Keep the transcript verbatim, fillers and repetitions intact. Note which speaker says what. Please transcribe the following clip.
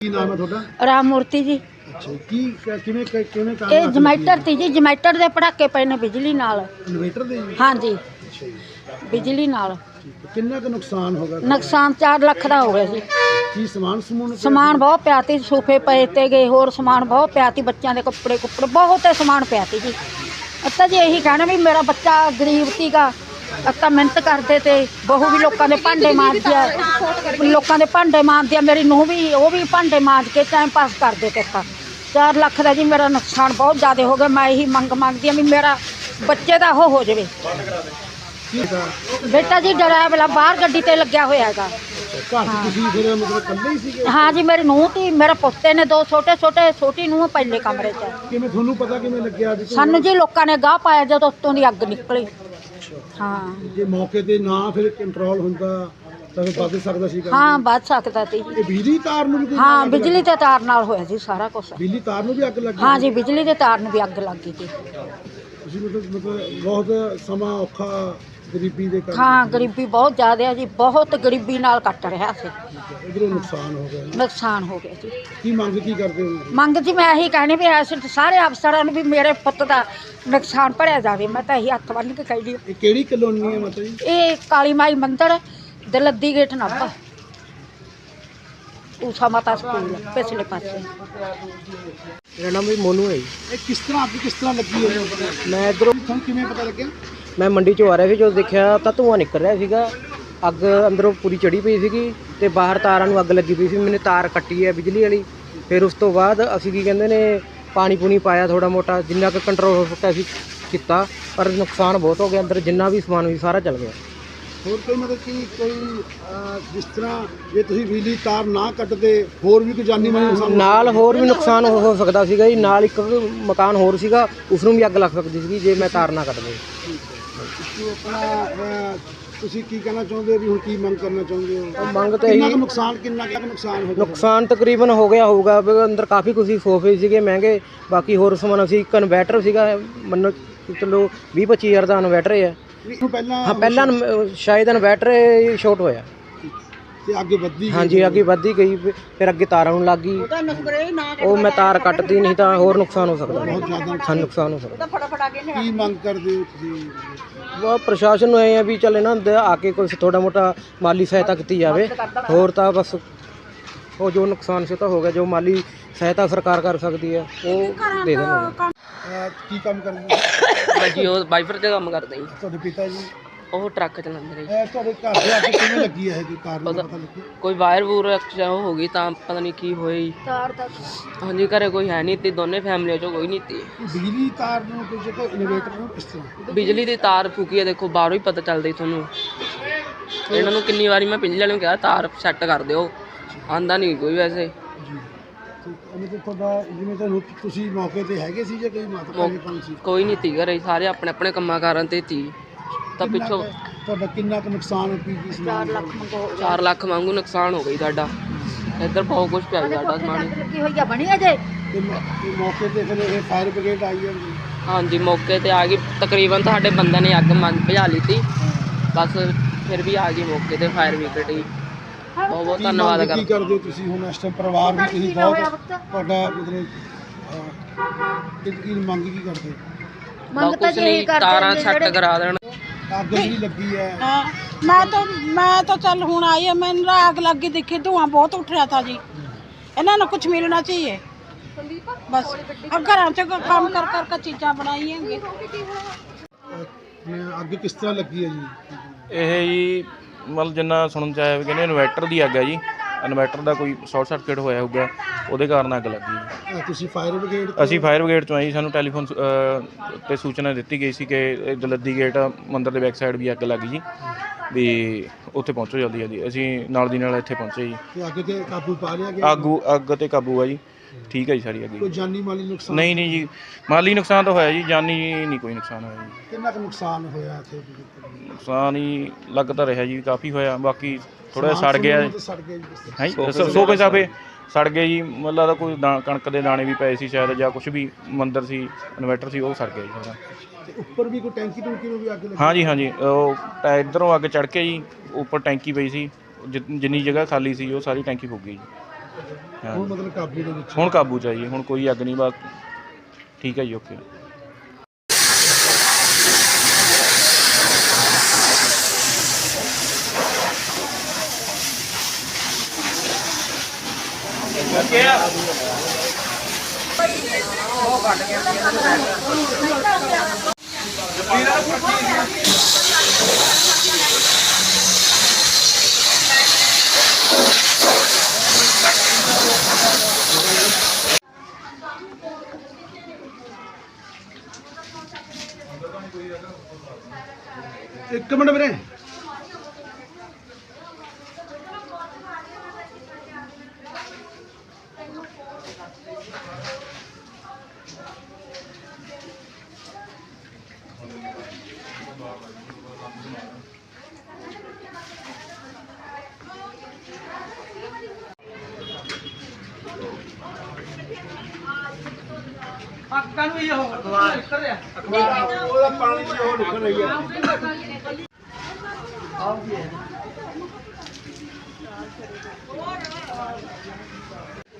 Speaker 1: ਕੀ ਨਾਮ ਹੈ ਤੁਹਾਡਾ?
Speaker 2: ਰਾਮ ਮੂਰਤੀ ਜੀ।
Speaker 1: ਅੱਛਾ, ਕੀ ਕਿਵੇਂ ਕਿਵੇਂ ਕੰਮ
Speaker 2: ਇਹ ਜਮੈਟਰ ਤੀ ਜੀ, ਜਮੈਟਰ ਦੇ ਪੜਾਕੇ ਪਏ ਨੇ ਬਿਜਲੀ ਨਾਲ।
Speaker 1: ਇਨਵੇਟਰ ਦੇ ਜੀ?
Speaker 2: ਹਾਂਜੀ,
Speaker 1: ਅੱਛਾ ਜੀ,
Speaker 2: ਬਿਜਲੀ ਨਾਲ।
Speaker 1: ਠੀਕ ਹੈ। ਕਿੰਨਾ ਕੁ ਨੁਕਸਾਨ ਹੋ ਗਿਆ?
Speaker 2: ਨੁਕਸਾਨ ਚਾਰ ਲੱਖ ਦਾ ਹੋ ਗਿਆ ਜੀ।
Speaker 1: ਕੀ ਸਮਾਨ ਸਮੂਨ?
Speaker 2: ਸਮਾਨ ਬਹੁਤ ਪਿਆ ਤੀ, ਸੋਫੇ ਪਏ ਤੇ ਗਏ, ਹੋਰ ਸਮਾਨ ਬਹੁਤ ਪਿਆ ਤੀ, ਬੱਚਿਆਂ ਦੇ ਕੱਪੜੇ ਕੁੱਪੜੇ ਬਹੁਤ ਸਮਾਨ ਪਿਆ ਤੀ ਜੀ। ਅੱਤਾ ਜੀ ਇਹੀ ਕਹਿਣਾ ਵੀ ਮੇਰਾ ਬੱਚਾ ਗਰੀਬ ਸੀਗਾ, ਅੱਤਾ ਮਿਹਨਤ ਕਰਦੇ ਤੇ ਬਹੂ ਵੀ ਲੋਕਾਂ ਦੇ ਭਾਂਡੇ ਮਾਂਜਦੀ ਆ, ਲੋਕਾਂ ਦੇ ਭਾਂਡੇ ਮਾਂਜਦੀ ਆ, ਮੇਰੀ ਨੂੰਹ ਵੀ ਉਹ ਵੀ ਭਾਂਡੇ ਮਾਂਜ ਕੇ ਟਾਈਮ ਪਾਸ ਕਰਦੇ ਤੇ ਤਾਂ ਚਾਰ ਲੱਖ ਦਾ ਜੀ ਮੇਰਾ ਨੁਕਸਾਨ ਬਹੁਤ ਜ਼ਿਆਦਾ ਹੋ ਗਿਆ। ਮੈਂ ਇਹੀ ਮੰਗ ਮੰਗਦੀ ਆ ਵੀ ਮੇਰਾ ਬੱਚੇ ਦਾ ਉਹ ਹੋ ਜਾਵੇ। ਬੇਟਾ ਜੀ ਡਰਾਈਵਰ ਬਾਹਰ ਗੱਡੀ ਤੇ ਲੱਗਿਆ ਹੋਇਆ ਹੈਗਾ।
Speaker 1: ਤੁਸੀਂ ਫਿਰ ਮਤਲਬ ਇਕੱਲੇ ਹੀ ਸੀਗੇ?
Speaker 2: ਹਾਂ ਜੀ, ਮੇਰੀ ਨੂੰਹ ਤੇ ਮੇਰੇ ਪੁੱਤੇ ਨੇ ਦੋ ਛੋਟੇ ਛੋਟੇ, ਛੋਟੀ ਨੂੰਹ ਪਹਿਲੇ ਕਮਰੇ 'ਚ।
Speaker 1: ਕਿਵੇਂ ਤੁਹਾਨੂੰ ਪਤਾ ਕਿਵੇਂ ਲੱਗਿਆ?
Speaker 2: ਸਾਨੂੰ ਜੀ ਲੋਕਾਂ ਨੇ ਗਾਹ ਪਾਇਆ ਜਦੋਂ ਉੱਤੋਂ ਦੀ ਅੱਗ ਨਿਕਲੀ। ਹਾਂ,
Speaker 1: ਜੇ ਮੌਕੇ ਤੇ ਨਾ ਫਿਰ ਕੰਟਰੋਲ ਹੁੰਦਾ ਤਾਂ ਫਿਰ ਵੱਧ ਸਕਦਾ ਸੀ?
Speaker 2: ਹਾਂ ਵੱਧ ਸਕਦਾ ਸੀ।
Speaker 1: ਇਹ ਬਿਜਲੀ ਤਾਰ ਨੂੰ ਵੀ?
Speaker 2: ਹਾਂ, ਬਿਜਲੀ ਤੇ ਤਾਰ ਨਾਲ ਹੋਇਆ ਜੀ ਸਾਰਾ ਕੁਝ।
Speaker 1: ਬਿਜਲੀ ਤਾਰ ਨੂੰ ਵੀ ਅੱਗ ਲੱਗੀ?
Speaker 2: ਹਾਂ ਜੀ, ਬਿਜਲੀ ਦੇ ਤਾਰ ਨੂੰ ਵੀ ਅੱਗ ਲੱਗ ਗਈ ਸੀ।
Speaker 1: ਤੁਸੀਂ ਮਤਲਬ ਮਤਲਬ ਬਹੁਤ ਸਮਾਂ ਔਖਾ ਗਰੀਬੀ ਦੇ ਕਾਰਨ?
Speaker 2: ਹਾਂ, ਗਰੀਬੀ ਬਹੁਤ ਜ਼ਿਆਦਾ ਹੈ ਜੀ, ਬਹੁਤ ਗਰੀਬੀ ਨਾਲ ਕੱਟ ਰਿਹਾ ਸੀ।
Speaker 1: ਇਧਰੋਂ ਨੁਕਸਾਨ ਹੋ ਗਿਆ?
Speaker 2: ਨੁਕਸਾਨ ਹੋ ਗਿਆ ਜੀ।
Speaker 1: ਕੀ ਮੰਗ ਕੀ ਕਰਦੇ ਹੋ?
Speaker 2: ਮੰਗ ਜੀ ਮੈਂ ਇਹੀ ਕਹਿਣੀ ਵੀ ਐਸੇ ਸਾਰੇ ਅਫਸਰਾਂ ਨੂੰ ਵੀ ਮੇਰੇ ਪੁੱਤ ਦਾ ਨੁਕਸਾਨ ਭਰਿਆ ਜਾਵੇ। ਮੈਂ ਤਾਂ ਇਹੀ ਹੱਥ ਬੰਨ੍ਹ ਕੇ ਕਹਿੰਦੀ।
Speaker 1: ਇਹ ਕਿਹੜੀ ਕਲੋਨੀ ਹੈ ਮਤਲਬ ਜੀ?
Speaker 2: ਇਹ ਕਾਲੀ ਮਾਈ ਮੰਦਿਰ ਦਲੱਦੀ ਗੇਟ ਨਾਭਾ, ਊਸ਼ਾ ਮਾਤਾ ਸਕੂਲ ਪਿਛਲੇ ਪਾਸੇ।
Speaker 3: ਮੇਰਾ ਨਾਮ ਵੀ ਮੋਨੂ ਹੈ ਜੀ।
Speaker 1: ਇਹ ਕਿਸ ਤਰ੍ਹਾਂ ਅੱਗ ਕਿਸ ਤਰ੍ਹਾਂ ਲੱਗੀ ਹੈ?
Speaker 3: ਮੈਂ ਇੱਧਰੋਂ
Speaker 1: ਤੁਹਾਨੂੰ ਕਿਵੇਂ ਪਤਾ ਲੱਗਿਆ?
Speaker 3: ਮੈਂ ਮੰਡੀ 'ਚੋਂ ਆ ਰਿਹਾ ਸੀ, ਜਦੋਂ ਦੇਖਿਆ ਤਾਂ ਧੂੰਆਂ ਨਿਕਲ ਰਿਹਾ ਸੀਗਾ। ਅੱਗ ਅੰਦਰੋਂ ਪੂਰੀ ਚੜੀ ਪਈ ਸੀਗੀ ਤੇ ਬਾਹਰ ਤਾਰਾਂ ਨੂੰ ਅੱਗ ਲੱਗੀ ਪਈ ਸੀ। ਮੈंने ਤਾਰ ਕੱਟੀ ਹੈ ਬਿਜਲੀ ਵਾਲੀ। ਫਿਰ ਉਸ ਤੋਂ ਬਾਅਦ ਅਸੀਂ ਕੀ ਕਹਿੰਦੇ ਨੇ ਪਾਣੀ ਪੂਣੀ ਪਾਇਆ ਥੋੜਾ ਮੋਟਾ, ਜਿੰਨਾ ਕੁ ਕੰਟਰੋਲ ਹੋ ਸਕਿਆ ਅਸੀਂ ਕੀਤਾ, ਪਰ ਨੁਕਸਾਨ ਬਹੁਤ ਹੋ ਗਿਆ। ਅੰਦਰ ਜਿੰਨਾ ਵੀ ਸਮਾਨ ਸੀ ਸਾਰਾ ਚਲ ਗਿਆ।
Speaker 1: ਹੋਰ ਕੋਈ ਮਤਲਬ ਕਿ ਕੋਈ ਅਹ, ਜਿਸ ਤਰ੍ਹਾਂ ਜੇ ਤੁਸੀਂ ਬਿਜਲੀ ਤਾਰ ਨਾ ਕੱਟਦੇ ਹੋਰ ਵੀ ਕੋਈ ਜਾਨੀ ਮਾਲੀ ਨੁਕਸਾਨ?
Speaker 3: ਨਾਲ ਹੋਰ ਵੀ ਨੁਕਸਾਨ ਹੋ ਹੋ ਸਕਦਾ ਸੀਗਾ ਜੀ। ਨਾਲ ਇੱਕ ਮਕਾਨ ਹੋਰ ਸੀਗਾ, ਉਸ ਨੂੰ ਵੀ ਅੱਗ ਲੱਗ ਸਕਦੀ ਸੀਗੀ ਜੇ ਮੈਂ ਤਾਰ ਨਾ ਕੱਟਦੇ।
Speaker 1: ਤੁਸੀਂ ਆਪਣਾ ਅਹ, ਤੁਸੀਂ ਕੀ ਕਹਿਣਾ ਚਾਹੁੰਦੇ ਹੋ ਵੀ ਹੁਣ ਕੀ ਮੰਗ ਕਰਨਾ ਚਾਹੁੰਦੇ ਹੋ?
Speaker 3: ਮੰਗ ਤਾਂ
Speaker 1: ਕਿੰਨਾ
Speaker 3: ਇਹੀ
Speaker 1: ਕੁ ਨੁਕਸਾਨ ਕਿੰਨਾ ਕੁ ਨੁਕਸਾਨ ਹੋ ਗਿਆ?
Speaker 3: ਨੁਕਸਾਨ ਤਕਰੀਬਨ ਹੋ ਗਿਆ ਹੋਊਗਾ ਵੀ ਅੰਦਰ ਕਾਫੀ ਕੁਝ ਸੀ, ਸੋਫੇ ਸੀਗੇ ਮਹਿੰਗੇ, ਬਾਕੀ ਹੋਰ ਸਮਾਨ ਸੀ। ਇੱਕ ਇਨਵੈਟਰ ਸੀਗਾ, ਮੰਨੋ ਚਲੋ ਵੀਹ ਪੱਚੀ ਹਜ਼ਾਰ ਦਾ ਇਨਵੈਟਰ ਹੈ।
Speaker 1: ਇਹਨੂੰ ਪਹਿਲਾਂ
Speaker 3: ਹਾਂ, ਪਹਿਲਾਂ ਇਨ- ਸ਼ਾਇਦ ਇਨਵੈਟਰ ਸ਼ਾਰਟ ਹੋਇਆ।
Speaker 1: ਤੇ ਅੱਗੇ ਵੱਧਦੀ ਗਈ?
Speaker 3: ਹਾਂਜੀ, ਅੱਗੇ ਵੱਧਦੀ ਗਈ, ਫਿਰ ਅੱਗੇ ਤਾਰਾਂ ਨੂੰ ਲੱਗ ਗਈ। ਉਹ ਮੈਂ ਤਾਰ ਕੱਟਦੀ, ਨਹੀਂ ਤਾਂ ਹੋਰ ਨੁਕਸਾਨ ਹੋ ਸਕਦਾ,
Speaker 1: ਬਹੁਤ ਜ਼ਿਆਦਾ
Speaker 3: ਸਾਨੂੰ ਨੁਕਸਾਨ ਹੋ ਸਕਦਾ।
Speaker 1: ਕੀ ਮੰਗ ਕਰਦੇ ਹੋ ਤੁਸੀਂ?
Speaker 3: ਉਹ ਪ੍ਰਸ਼ਾਸਨ ਨੂੰ ਇਹ ਹੈ ਵੀ ਚੱਲ ਇਹਨਾਂ ਦੇ ਆ ਕੇ ਕੁਛ ਥੋੜਾ ਮੋਟਾ ਮਾਲੀ ਸਹਾਇਤਾ ਕੀਤੀ ਜਾਵੇ। ਹੋਰ ਤਾਂ ਬਸ ਉਹ ਜੋ ਨੁਕਸਾਨ ਸੀ ਤਾਂ ਹੋ ਗਿਆ, ਜੋ ਮਾਲੀ ਸਹਾਇਤਾ ਸਰਕਾਰ ਕਰ ਸਕਦੀ ਹੈ ਉਹ ਦੇ ਦੇਣ।
Speaker 1: ਅਹ, ਕੀ ਕੰਮ ਕਰਦੇ ਹੋ?
Speaker 4: ਭਾਜੀ ਉਹ ਵਾਈਫਰ ਤੇ ਕੰਮ ਕਰਦੇ ਜੀ।
Speaker 1: ਤੁਹਾਡੇ ਪਿਤਾ ਜੀ?
Speaker 4: ਉਹ ਟਰੱਕ ਚਲਾਉਂਦੇ ਨੇ ਜੀ।
Speaker 1: ਇਹ ਤੁਹਾਡੇ ਘਰ ਦੇ ਅੱਗੇ ਕਿਵੇਂ ਲੱਗੀ ਹੈ ਇਹ ਕਾਰ ਨੂੰ?
Speaker 4: ਪਤਾ-
Speaker 1: ਪਤਾ ਲੱਗੀ?
Speaker 4: ਕੋਈ ਵਾਇਰ ਵੂਰ ਐਕਸਟਰਾ ਉਹ ਹੋ ਗਈ ਤਾਂ ਪਤਾ ਨਹੀਂ ਕੀ ਹੋਇਆ ਜੀ।
Speaker 2: ਤਾਰ ਦਾ
Speaker 4: ਹਾਂਜੀ, ਘਰੇ ਕੋਈ ਹੈ ਨਹੀਂ ਤੀ, ਦੋਨੇ ਫੈਮਲੀਆਂ ਚੋਂ ਕੋਈ ਨਹੀਂ ਤੀ।
Speaker 1: ਬਿਜਲੀ ਤਾਰ ਨੂੰ ਕੋਈ ਜਗ੍ਹਾ ਇਨਵੇਟਰ ਨੂੰ ਕਿਸ ਤਰ੍ਹਾਂ?
Speaker 4: ਬਿਜਲੀ ਦੀ ਤਾਰ ਫੂਕੀ ਹੈ, ਦੇਖੋ ਬਾਹਰੋਂ ਹੀ ਪਤਾ ਚੱਲਦਾ ਜੀ ਤੁਹਾਨੂੰ। ਇਹਨਾਂ ਨੂੰ ਕਿੰਨੀ ਵਾਰੀ ਮੈਂ ਬਿਜਲੀ ਵਾਲਿਆਂ ਨੂੰ ਕਿਹਾ ਤਾਰ ਸੈੱਟ ਕਰ ਦਿਓ, ਆਂਦਾ ਨਹੀਂ ਕੋਈ ਵੈਸੇ।
Speaker 1: ਜੀ, ਠੀਕ। ਮਤਲਬ ਤੁਹਾਡਾ ਜਿਵੇਂ ਤੁਹਾਨੂੰ ਤੁਸੀਂ ਮੌਕੇ ਤੇ ਹੈਗੇ ਸੀ ਜਾਂ ਕੋਈ ਮਾਤਾ
Speaker 4: ਮੌ-
Speaker 1: ਪਿਤਾ ਸੀ?
Speaker 4: ਕੋਈ ਨਹੀਂ ਤੀ ਘਰੇ, ਸਾਰੇ ਆਪਣੇ ਆਪਣੇ ਕੰਮਾਂ ਕਾਰਾਂ ਤੇ ਤੀ। ਤਾਂ
Speaker 1: ਕਿੰਨਾ
Speaker 4: ਪਿੱਛੋਂ
Speaker 1: ਕੁ- ਤੁਹਾਡਾ ਕਿੰਨਾ ਕੁ ਨੁਕਸਾਨ ਕੀ ਕੀ ਸਮਾਨ?
Speaker 2: ਚਾਰ ਲੱਖ ਮੰਗੋ
Speaker 4: ਚਾਰ ਲੱਖ ਵਾਂਗੂ ਨੁਕਸਾਨ ਹੋ ਗਈ ਸਾਡਾ। ਇੱਧਰ ਬਹੁਤ ਕੁਝ ਪਿਆ ਜੀ ਸਾਡਾ ਸਮਾਨ।
Speaker 2: ਲੱਗੀ ਹੋਈ ਆ, ਬਣੀ ਅਜੇ।
Speaker 1: ਤੇ ਮ- ਤੇ ਮੌਕੇ ਤੇ ਫਿਰ ਇਹ ਫਾਇਰ ਬ੍ਰਿਗੇਡ ਆਈ ਹੈ ਜੀ?
Speaker 4: ਹਾਂਜੀ, ਮੌਕੇ ਤੇ ਆ ਗਈ। ਤਕਰੀਬਨ ਸਾਡੇ ਬੰਦੇ ਨੇ ਅੱਗ ਮੰਗ ਭਜਾ ਲਈ ਤੀ, ਬਸ ਫਿਰ ਵੀ ਆ ਗਈ ਮੌਕੇ ਤੇ ਫਾਇਰ ਬ੍ਰਿਗੇਡ ਹੀ। ਬਹੁਤ ਬਹੁਤ
Speaker 1: ਕੀ
Speaker 4: ਧੰਨਵਾਦ
Speaker 1: ਮੰਗ
Speaker 4: ਕਰ
Speaker 1: ਕੀ ਕਰਦੇ ਹੋ ਤੁਸੀਂ ਹੁਣ ਇਸ ਟਾਈਮ? ਪਰਿਵਾਰ ਵੀ ਤੁਸੀਂ ਬਹੁਤ ਤੁਹਾਡਾ ਮਤਲਬ ਅਹ, ਕੀ ਕੀ ਮੰਗ ਕੀ ਕਰਦੇ ਹੋ?
Speaker 2: ਮੰਗ ਤਾਂ
Speaker 4: ਕੁਛ
Speaker 2: ਜੀ ਇਹੀ
Speaker 4: ਨਹੀਂ,
Speaker 2: ਕਰਦੇ
Speaker 4: ਤਾਰਾਂ
Speaker 2: ਨੇ
Speaker 4: ਸੈੱਟ
Speaker 2: ਜਿਹੜੇ-
Speaker 4: ਕਰਾ ਦੇਣ।
Speaker 1: ਅੱਗ ਜਿਹੜੀ ਲੱਗੀ ਹੈ
Speaker 5: हाँ, मैं तो मैं तो चल हूँ आई है, मैंने आग लग गई, देखी धुआं बहुत उठ रहा था जी। इन्हों ने कुछ मिलना चाहिए बस। अब घर च काम कर कर के चीज़ां बनाई हैं।
Speaker 1: ਅਹ, ਅੱਗ ਕਿਸ ਤਰ੍ਹਾਂ ਲੱਗੀ ਹੈ ਜੀ?
Speaker 6: ਇਹ ਜੀ ਮਤਲਬ ਜਿੰਨਾ ਸੁਣਨ ਚ ਆਇਆ ਵੀ ਕਹਿੰਦੇ ਇਨਵੈਟਰ ਦੀ ਅੱਗ ਹੈ ਜੀ। ਇਨਵੈਟਰ ਦਾ ਕੋਈ ਸ਼ਾਰਟ ਸਰਕਟ ਹੋਇਆ ਹੋਊਗਾ, ਉਹਦੇ ਕਾਰਨ ਅੱਗ ਲੱਗੀ ਜੀ।
Speaker 1: ਅਹ, ਤੁਸੀਂ ਫਾਇਰ ਬ੍ਰਿਗੇਡ?
Speaker 6: ਅਸੀਂ ਫਾਇਰ ਬ੍ਰਿਗੇਡ ਤੋਂ ਆਏ ਜੀ। ਸਾਨੂੰ ਟੈਲੀਫੋਨ ਅ, ਤੇ ਸੂਚਨਾ ਦਿੱਤੀ ਗਈ ਸੀ ਕਿ ਇਹ ਦਲੱਦੀ ਗੇਟ ਮੰਦਿਰ ਦੇ ਬੈਕ ਸਾਈਡ ਵੀ ਅੱਗ ਲੱਗ ਗਈ ਜੀ, ਵੀ ਉੱਥੇ ਪਹੁੰਚੋ ਜਲਦੀ ਜਲਦੀ। ਅਸੀਂ ਨਾਲ ਦੀ ਨਾਲ ਇੱਥੇ ਪਹੁੰਚੇ ਜੀ।
Speaker 1: ਤੇ ਅੱਗ ਤੇ ਕਾਬੂ ਪਾ ਲਿਆ ਗਿਆ?
Speaker 6: ਆਗੂ ਅੱਗ ਤੇ ਕਾਬੂ ਆ ਜੀ, ਠੀਕ ਹੈ ਜੀ ਸਾਰੀ ਅੱਗ
Speaker 1: ਕੋਈ
Speaker 6: ਜੀ।
Speaker 1: ਜਾਨੀ ਮਾਲੀ ਨੁਕਸਾਨ?
Speaker 6: ਨਹੀਂ ਨਹੀਂ ਜੀ, ਮਾਲੀ ਨੁਕਸਾਨ ਤਾਂ ਹੋਇਆ ਜੀ, ਜਾਨੀ ਨਹੀਂ ਕੋਈ ਨੁਕਸਾਨ ਹੋਇਆ ਜੀ।
Speaker 1: ਕਿੰਨਾ ਕੁ ਨੁਕਸਾਨ ਹੋਇਆ ਇੱਥੇ?
Speaker 6: ਨੁਕਸਾਨ ਹੀ ਲੱਗ ਤਾਂ ਰਿਹਾ ਜੀ, ਕਾਫੀ ਹੋਇਆ। ਬਾਕੀ ਥੋੜਾ ਜਿਹਾ ਸੜ
Speaker 1: ਸਮਾਨ
Speaker 6: ਗਿਆ
Speaker 1: ਸਮੂਨ ਤਾਂ ਸੜ ਗਿਆ ਜੀ ਕਿਸ ਤਰ੍ਹਾਂ?
Speaker 6: ਹੈ ਜੀ। ਸੋਫੇ ਸਾਫੇ ਸੜ ਗਏ ਜੀ। ਮਤਲਬ ਲੱਗਦਾ ਕੋਈ ਦਾ ਕਣਕ ਦੇ ਦਾਣੇ ਵੀ ਪਏ ਸੀ ਸ਼ਾਇਦ, ਜਾਂ ਕੁਝ ਵੀ ਮੰਦਰ ਸੀ, ਇਨਵੈਟਰ ਸੀ, ਉਹ ਸੜ ਗਿਆ ਜੀ ਸਾਰਾ।
Speaker 1: ਤੇ ਉੱਪਰ ਵੀ ਕੋਈ ਟੈਂਕੀ ਟੂੰਕੀ ਨੂੰ ਵੀ ਅੱਗ ਲੱਗੀ?
Speaker 6: ਹਾਂਜੀ ਹਾਂਜੀ, ਉਹ ਟੈ- ਇੱਧਰੋਂ ਅੱਗ ਚੜ੍ਹ ਕੇ ਜੀ ਉੱਪਰ ਟੈਂਕੀ ਪਈ ਸੀ, ਜਿ- ਜਿੰਨੀ ਜਗ੍ਹਾ ਖਾਲੀ ਸੀ ਉਹ ਸਾਰੀ ਟੈਂਕੀ ਫੁੱਕ ਗਈ ਜੀ। ਹਾਂ
Speaker 1: ਹੁਣ ਮਤਲਬ ਕਾਬੂ ਦੇ ਵਿੱਚ
Speaker 6: ਹੁਣ ਕਾਬੂ 'ਚ ਆ ਜੀ, ਹੁਣ ਕੋਈ ਅੱਗ ਨਹੀਂ, ਬਸ ਠੀਕ ਹੈ ਜੀ, ਓਕੇ।
Speaker 1: ਇੱਕ ਮਿੰਟ ਵੀਰੇ, ਉਹਦਾ ਪਾਣੀ ਦੀ ਉਹ ਨਿਕਲ ਰਹੀ ਹੈ।